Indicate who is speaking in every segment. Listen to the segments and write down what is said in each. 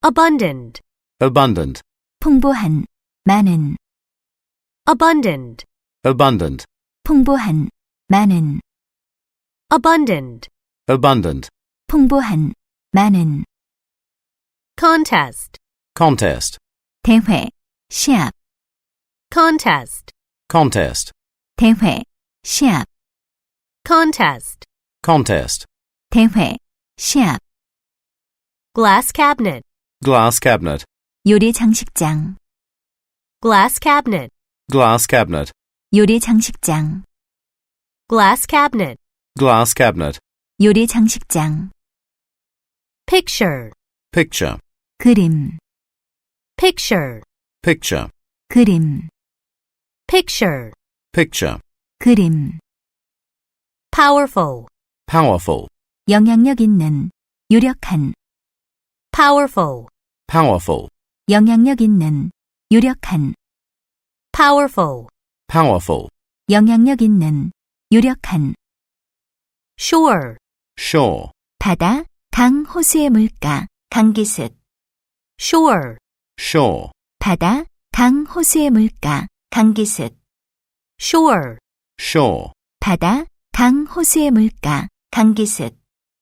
Speaker 1: abundant,
Speaker 2: abundant,
Speaker 3: 풍부한, 많은,
Speaker 1: abundant,
Speaker 2: abundant,
Speaker 3: 풍부한, 많은,
Speaker 1: abundant,
Speaker 2: abundant,
Speaker 3: 풍부한, 많은,
Speaker 1: contest,
Speaker 2: contest,
Speaker 3: 대회, 시합,
Speaker 1: contest,
Speaker 2: contest,
Speaker 3: 대회, 시합,
Speaker 1: contest,
Speaker 2: contest,
Speaker 3: 대회, 시합,
Speaker 1: glass cabinet,
Speaker 2: glass cabinet,
Speaker 3: 요리 장식장,
Speaker 1: glass cabinet,
Speaker 2: glass cabinet,
Speaker 3: 요리 장식장,
Speaker 1: glass cabinet,
Speaker 2: glass cabinet,
Speaker 3: 요리 장식장,
Speaker 1: picture,
Speaker 2: picture,
Speaker 3: 그림,
Speaker 1: picture,
Speaker 2: picture,
Speaker 3: 그림,
Speaker 1: picture,
Speaker 2: picture,
Speaker 3: 그림,
Speaker 1: powerful,
Speaker 2: powerful,
Speaker 3: 영향력 있는, 유력한,
Speaker 1: powerful,
Speaker 2: powerful,
Speaker 3: 영향력 있는, 유력한,
Speaker 1: powerful,
Speaker 2: powerful,
Speaker 3: 영향력 있는, 유력한,
Speaker 1: shore,
Speaker 2: shore,
Speaker 3: 바다, 강, 호수의 물가, 강기슭,
Speaker 1: shore,
Speaker 2: shore,
Speaker 3: 바다, 강, 호수의 물가, 강기슭,
Speaker 1: shore,
Speaker 2: shore,
Speaker 3: 바다, 강, 호수의 물가, 강기슭,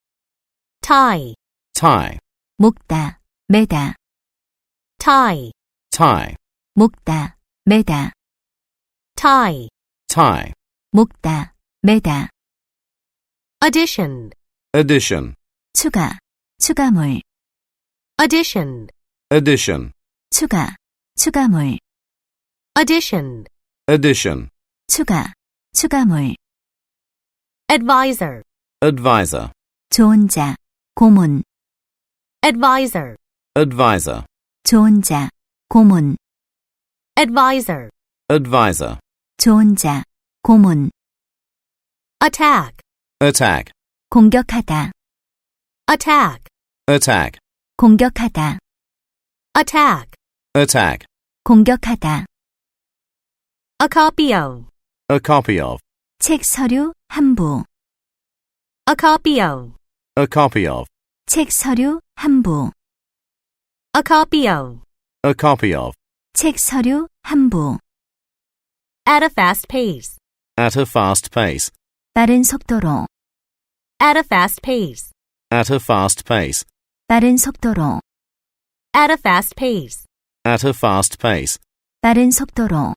Speaker 1: tie,
Speaker 2: tie,
Speaker 3: 목다, 매다,
Speaker 1: tie,
Speaker 2: tie,
Speaker 3: 목다, 매다,
Speaker 1: tie,
Speaker 2: tie,
Speaker 3: 목다, 매다,
Speaker 1: addition,
Speaker 2: addition,
Speaker 3: 추가, 추가물,
Speaker 1: addition,
Speaker 2: addition,
Speaker 3: 추가, 추가물,
Speaker 1: addition,
Speaker 2: addition,
Speaker 3: 추가, 추가물,
Speaker 1: advisor,
Speaker 2: advisor,
Speaker 3: 좋은 자, 고문,
Speaker 1: advisor,
Speaker 2: advisor,
Speaker 3: 좋은 자, 고문,
Speaker 1: advisor,
Speaker 2: advisor,
Speaker 3: 좋은 자, 고문,
Speaker 1: attack,
Speaker 2: attack,
Speaker 3: 공격하다,
Speaker 1: attack,
Speaker 2: attack,
Speaker 3: 공격하다,
Speaker 1: attack,
Speaker 2: attack,
Speaker 3: 공격하다,
Speaker 1: a copy of,
Speaker 2: a copy of,
Speaker 3: 책 서류, 한부,
Speaker 1: a copy of,
Speaker 2: a copy of,
Speaker 3: 책 서류, 한부,
Speaker 1: a copy of,
Speaker 2: a copy of,
Speaker 3: 책 서류, 한부,
Speaker 1: at a fast pace,
Speaker 2: at a fast pace,
Speaker 3: 빠른 속도로,
Speaker 1: at a fast pace,
Speaker 2: at a fast pace,
Speaker 3: 빠른 속도로,
Speaker 1: at a fast pace,
Speaker 2: at a fast pace,
Speaker 3: 빠른 속도로,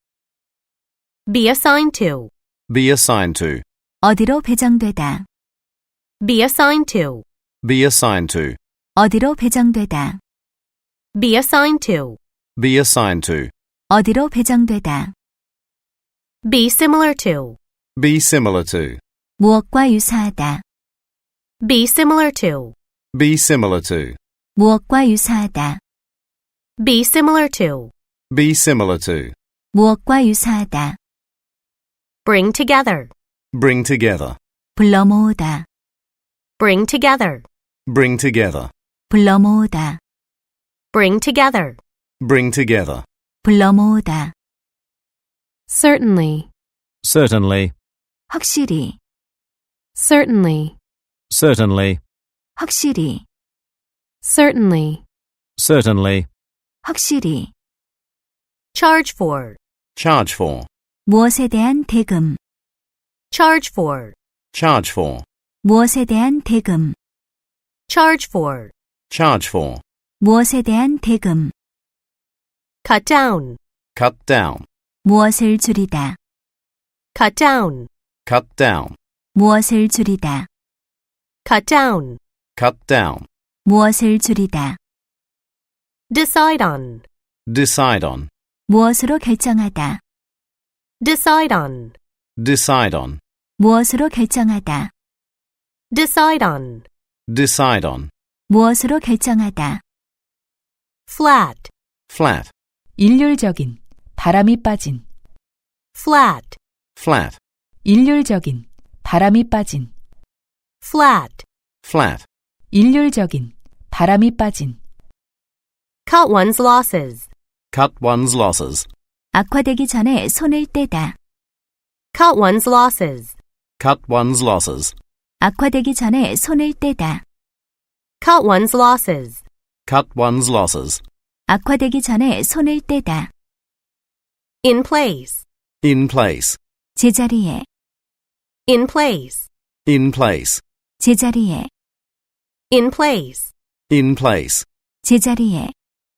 Speaker 1: be assigned to,
Speaker 2: be assigned to,
Speaker 3: 어디로 배정되다,
Speaker 1: be assigned to,
Speaker 2: be assigned to,
Speaker 3: 어디로 배정되다,
Speaker 1: be assigned to,
Speaker 2: be assigned to,
Speaker 3: 어디로 배정되다,
Speaker 1: be similar to,
Speaker 2: be similar to,
Speaker 3: 무엇과 유사하다,
Speaker 1: be similar to,
Speaker 2: be similar to,
Speaker 3: 무엇과 유사하다,
Speaker 1: be similar to,
Speaker 2: be similar to,
Speaker 3: 무엇과 유사하다,
Speaker 1: bring together,
Speaker 2: bring together,
Speaker 3: 불러 모으다,
Speaker 1: bring together,
Speaker 2: bring together,
Speaker 3: 불러 모으다,
Speaker 1: bring together,
Speaker 2: bring together,
Speaker 3: 불러 모으다,
Speaker 1: certainly,
Speaker 2: certainly,
Speaker 3: 확실히,
Speaker 1: certainly,
Speaker 2: certainly,
Speaker 3: 확실히,
Speaker 1: certainly,
Speaker 2: certainly,
Speaker 3: 확실히,
Speaker 1: charge for,
Speaker 2: charge for,
Speaker 3: 무엇에 대한 대금,
Speaker 1: charge for,
Speaker 2: charge for,
Speaker 3: 무엇에 대한 대금,
Speaker 1: charge for,
Speaker 2: charge for,
Speaker 3: 무엇에 대한 대금,
Speaker 1: cut down,
Speaker 2: cut down,
Speaker 3: 무엇을 줄이다,
Speaker 1: cut down,
Speaker 2: cut down,
Speaker 3: 무엇을 줄이다,
Speaker 1: cut down,
Speaker 2: cut down,
Speaker 3: 무엇을 줄이다,
Speaker 1: decide on,
Speaker 2: decide on,
Speaker 3: 무엇으로 결정하다,
Speaker 1: decide on,
Speaker 2: decide on,
Speaker 3: 무엇으로 결정하다,
Speaker 1: decide on,
Speaker 2: decide on,
Speaker 3: 무엇으로 결정하다,
Speaker 1: flat,
Speaker 2: flat,
Speaker 4: 일률적인, 바람이 빠진,
Speaker 1: flat,
Speaker 2: flat,
Speaker 4: 일률적인, 바람이 빠진,
Speaker 1: flat,
Speaker 2: flat,
Speaker 4: 일률적인, 바람이 빠진,
Speaker 1: cut one's losses,
Speaker 2: cut one's losses,
Speaker 3: 악화되기 전에 손을 떼다,
Speaker 1: cut one's losses,
Speaker 2: cut one's losses,
Speaker 3: 악화되기 전에 손을 떼다,
Speaker 1: cut one's losses,
Speaker 2: Cut one's losses.
Speaker 3: 악화되기 전에 손을 떼다.
Speaker 1: In place.
Speaker 2: In place.
Speaker 3: 제자리에,
Speaker 1: In place.
Speaker 2: In place.
Speaker 3: 제자리에,
Speaker 1: In place.
Speaker 2: In place.
Speaker 3: 제자리에.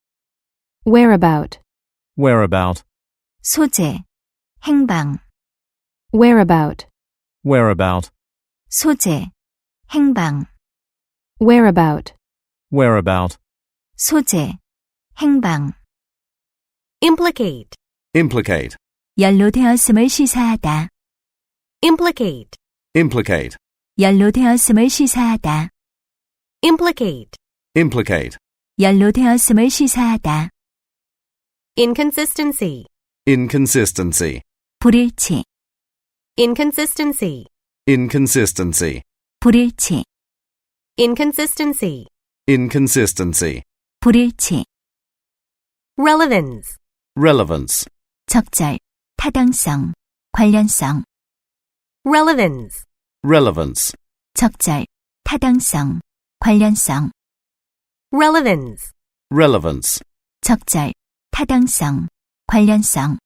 Speaker 1: Whereabout.
Speaker 2: Whereabout.
Speaker 3: 소재, 행방,
Speaker 1: Whereabout.
Speaker 2: Whereabout.
Speaker 3: 소재, 행방,
Speaker 1: Whereabout.
Speaker 2: Whereabout.
Speaker 3: 소재, 행방.
Speaker 1: Implicate.
Speaker 2: Implicate.
Speaker 3: 연로되었음을 시사하다.
Speaker 1: Implicate.
Speaker 2: Implicate.
Speaker 3: 연로되었음을 시사하다.
Speaker 1: Implicate.
Speaker 2: Implicate.
Speaker 3: 연로되었음을 시사하다.
Speaker 1: Inconsistency.
Speaker 2: Inconsistency.
Speaker 3: 불일치,
Speaker 1: Inconsistency.
Speaker 2: Inconsistency.
Speaker 3: 불일치,
Speaker 1: Inconsistency.
Speaker 2: Inconsistency.
Speaker 3: 불일치.
Speaker 1: Relevance.
Speaker 2: Relevance.
Speaker 3: 적절, 타당성, 관련성.
Speaker 1: Relevance.
Speaker 2: Relevance.
Speaker 3: 적절, 타당성, 관련성.
Speaker 1: Relevance.
Speaker 2: Relevance.
Speaker 3: 적절, 타당성, 관련성.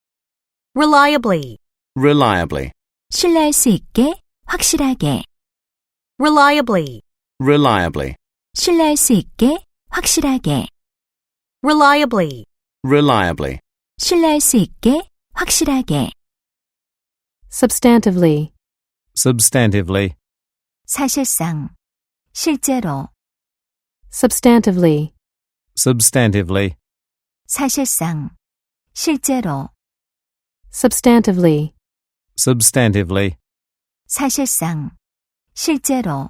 Speaker 1: Reliably.
Speaker 2: Reliably.
Speaker 3: 신뢰할 수 있게, 확실하게.
Speaker 1: Reliably.
Speaker 2: Reliably.
Speaker 3: 신뢰할 수 있게, 확실하게.
Speaker 1: Reliably.
Speaker 2: Reliably.
Speaker 3: 신뢰할 수 있게, 확실하게.
Speaker 1: Substantively.
Speaker 2: Substantively.
Speaker 3: 사실상, 실제로.
Speaker 1: Substantively.
Speaker 2: Substantively.
Speaker 3: 사실상, 실제로.
Speaker 1: Substantively.
Speaker 2: Substantively.
Speaker 3: 사실상, 실제로.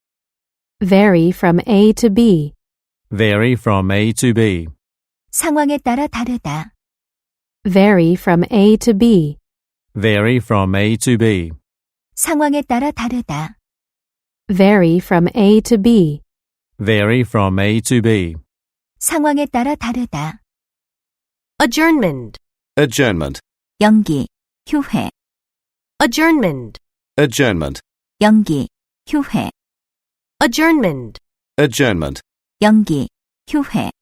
Speaker 1: Vary from A to B.
Speaker 2: Vary from A to B.
Speaker 3: 상황에 따라 다르다.
Speaker 1: Vary from A to B.
Speaker 2: Vary from A to B.
Speaker 3: 상황에 따라 다르다.
Speaker 1: Vary from A to B.
Speaker 2: Vary from A to B.
Speaker 3: 상황에 따라 다르다.
Speaker 1: Adjournment.
Speaker 2: Adjournment.
Speaker 3: 연기, 휴회,
Speaker 1: Adjournment.
Speaker 2: Adjournment.
Speaker 3: 연기, 휴회,
Speaker 1: Adjournment.
Speaker 2: Adjournment.
Speaker 3: 연기, 휴회.